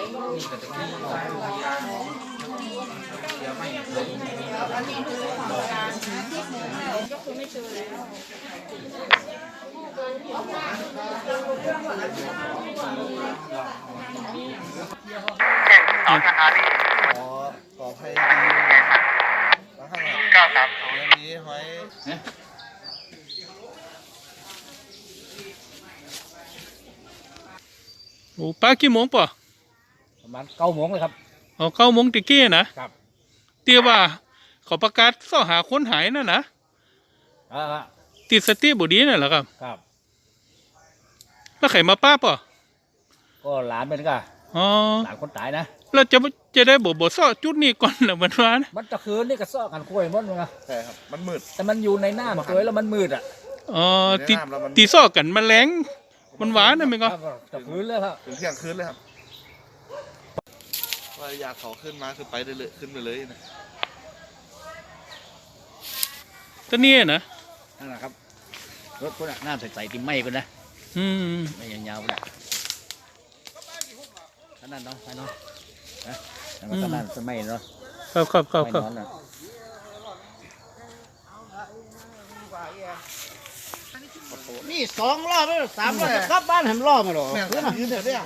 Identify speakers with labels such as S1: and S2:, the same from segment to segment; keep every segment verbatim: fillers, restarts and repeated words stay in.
S1: ก็คือไม่เจอแล้ว
S2: สองสถานี
S3: ขอขอให้ดีนะครับเก้าสามศูนย์นี้หอย
S4: โอ้ป้ากี่โมงป่ะ
S5: ประมาณเก้าโมงเลยครับ
S4: อ๋อเก้าโมงตะกี้นะครับเตี้ยว่าเขาประกาศซ่อหาคนหายน่ะนะ
S5: อ่า
S4: ติดสติบุดีน่ะเหรอครับ
S5: ครับ
S4: แล้วใครมาป้าป่ะ
S5: ก็หลานเป็นก็
S4: อ๋อ
S5: หลานคนตายนะ
S4: แล้วจะจะได้บ่บ่ซ่อจุดนี้ก่อนเหรอมันว่านะ
S5: มันตะคืนนี่ก็ซ่อกันคุยมันมั้ง
S3: ใช่ครับมันมืด
S5: แต่มันอยู่ในน้ำตัวแล้วมันมืดอ่ะ
S4: อ๋อตีตีซ่อกันมันแรงมันหวานนะมั้งก็
S5: ตะคืนเลยครับ
S3: ถึงเที่ยงคืนเลยครับว่าอยากเขาขึ้นมาคือไปได้เลยขึ้นไปเลยนะ
S4: ตอนนี้นะ
S5: นั่นแหละครับรถพวกนั้นน้ำใสๆติ่มไหม้กันนะ
S4: อืม
S5: ไม่ยาวๆเลยนั่นเนาะไปเนาะนะแล้วก็นั่นสมัยเนาะ
S4: ครับครับครับครับ
S5: นี่สองรอบแล้วสามรอบกลับบ้านเห็นรอบมาหรอคือมันยืนเดี๋ยวเดี๋ยว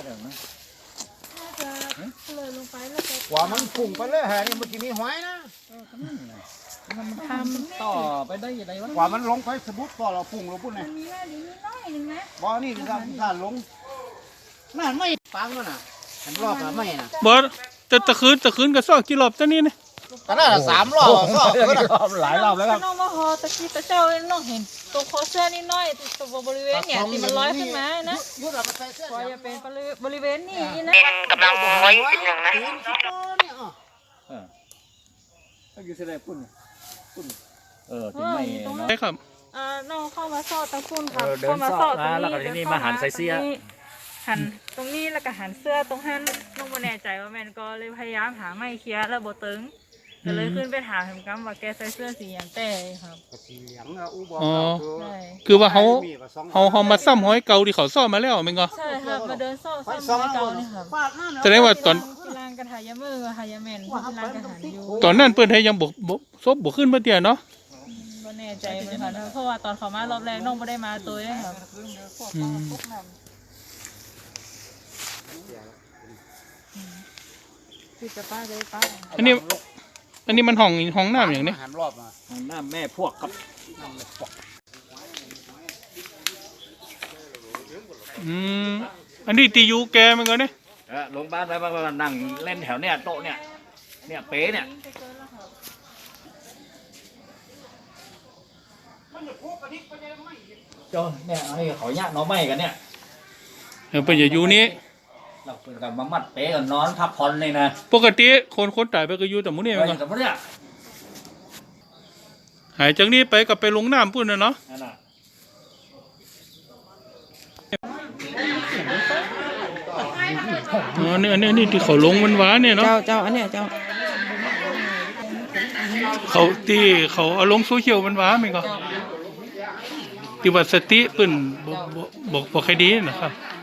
S1: เลยลงไปแล้วก็
S5: กว่ามันพุ่งไปเลยฮะนี่มันจะมีหอยนะมันทำต่อไปได้ยังไงวะกว่ามันลงไปสมมติพอเราพุ่งเราพุ่งไง
S1: มีแม่ดีนิดน้อยนึงนะ
S5: บ่อนี่คือการการลงนั่นไม่ฟังมันน่ะเห็นรอบอะไม่น่ะ
S4: บอสแต่ตะคืนตะคืนก็ซ่อกี่รอบตอนนี้เนี่ย
S5: ตอนนั้นสามรอบซ่อหลายรอบแล้วครับ
S1: น้องมาหอตะกี้ตะเจ้าน้องเห็นตัวคอเสื้อนิดน้อยตัวบริเวณเนี่ยที่มันลอยขึ้นมานะพอจะเป็นบริเวณนี้นะ
S2: กำลังไว้เป็นอย่างนั้น
S5: ก็อยู่ที่ไหนปุ่นปุ่นเออที่ไม่
S4: ใช่ครับ
S1: อ่าน้องเข้ามาซ่อตะปุ่นครับเข้ามาซ่อตรงนี้
S5: แล้วก็ที่นี่มาหันใส่เสื้อ
S1: หันตรงนี้แล้วก็หันเสื้อตรงหันน้องไม่แน่ใจว่าแมนก็เลยพยายามหาไม้เคี้ยแล้วโบตึงก็เลยขึ้นไปถามเห็นกันว่าแกใส่เสื้อสีอย่างแต่ครับ
S5: สีเหลืองอ่ะอู้บอก
S4: คือว่าเขาเขาเขามาซ้ำห้อยเก่าที่เขาซ่อมมาแล้วมั้งก็
S1: ใช่ครับมาเดินซ่อซ้ำห้อยเก่านี่ครับ
S4: แสดงว่าตอน
S1: ลางกันหายมือหายแมนลางกันหาอยู่
S4: ตอนนั้นเปิ้นให้ยังบกบกซบบกขึ้นเมื่อเตี้ยเนาะ
S1: ไม่แน่ใจเหมือนกันเพราะว่าตอนเขามารอบแรกน้องไม่ได้มาตัวเลยครับคือจะป้าเลยป้า
S4: อันนี้อันนี้มันห้องห้องน้ำอย่างนี้
S5: หันรอบมาห้องน้ำแม่พวกครับ
S4: อืมอันนี้ตียูแกมันก็เนี่ย
S5: เออลงบ้านไปบ้านนั่งเล่นแถวเนี้ยโต๊ะเนี้ยเนี่ยเป๊ะเนี่ยจนเนี่ยไอ้เขาย่างน้องไม้กันเนี่ย
S4: เออไปอย่าอยู่นี้
S5: เราเป็นกันมามัดเป๊ะกันนอนพักผ่อนเลยนะ
S4: ปกติคนคนตายไปก็อยู่แต่มุ้งนี่มันก็หายจากนี้ไปกับไปลงน้ำพุ่นนะเนาะอ๋อเนี่ยนี่ที่เขาลงมันหวานเนี่ยเนาะ
S1: เจ้าเจ้าอันเนี้ยเจ้า
S4: เขาที่เขาเอาลงโซเชียลมันหวานมั้ยก็ที่ว่าสติเปิ้นบอกบอกบอกใครดีนะครับ